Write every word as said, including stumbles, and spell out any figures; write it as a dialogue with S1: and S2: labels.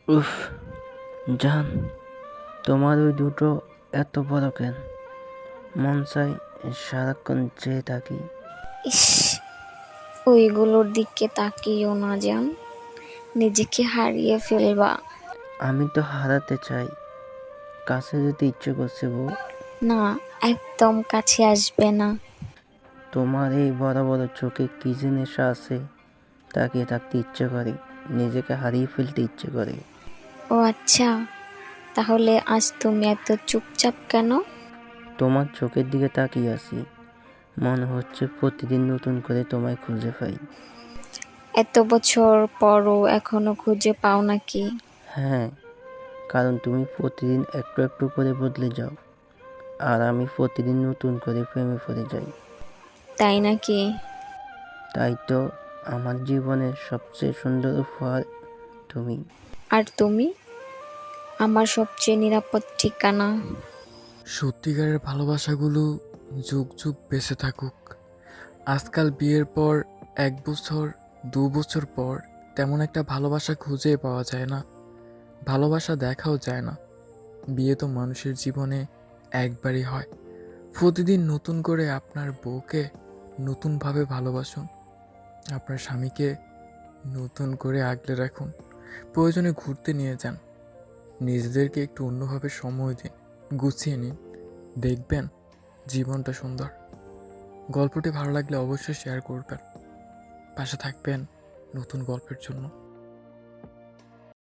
S1: উফ, জান, তোমার ওই দুটো এত বড় কেন? মন চাই সারাক্ষণ চেয়ে থাকি।
S2: ইস, ওইগুলোর দিকে তাকিও না জান, নিজেকে হারিয়ে ফেলবা।
S1: আমি তো হারাতে চাই, কাছে যেতে ইচ্ছে করছে বউ।
S2: না, একদম কাছে আসবে না।
S1: তোমার এই বড় বড় চোখে কি যে নেশা আছে, তাকিয়ে থাকতে ইচ্ছে করে, নিজেকে হারিয়ে ফেলতে ইচ্ছে করে।
S2: ও আচ্ছা, তাহলে আজ তুমি এত চুপচাপ কেন?
S1: তোমার চোখের দিকে তাকিয়ে আছি, মনে হচ্ছে প্রতিদিন নতুন করে তোমায় খুঁজে পাই।
S2: এত বছর পরও এখনো খুঁজে পাও নাকি?
S1: হ্যাঁ, কারণ তুমি প্রতিদিন একটু একটু করে বদলে যাও, আর আমি প্রতিদিন নতুন করে প্রেমে পড়ে যাই।
S2: তাই নাকি?
S1: তাই তো, আমার জীবনের সবচেয়ে সুন্দর উপহার তুমি।
S2: আর তুমি আমার সবচেয়ে নিরাপদ ঠিকানা।
S3: সত্যিকারের ভালোবাসাগুলো যুগ যুগ বেঁচে থাকুক। আজকাল বিয়ের পর এক বছর দু বছর পর তেমন একটা ভালোবাসা খুঁজে পাওয়া যায় না, ভালোবাসা দেখাও যায় না। বিয়ে তো মানুষের জীবনে একবারই হয়। প্রতিদিন নতুন করে আপনার বউকে নতুনভাবে ভালোবাসুন, আপনার স্বামীকে নতুন করে আগলে রাখুন, প্রয়োজনে ঘুরতে নিয়ে যান, নিজেদেরকে একটু অন্যভাবে সময় দিন, গুছিয়ে নিন, দেখবেন জীবনটা সুন্দর। গল্পটি ভালো লাগলে অবশ্যই শেয়ার করবেন, পাশে থাকবেন নতুন গল্পের জন্য।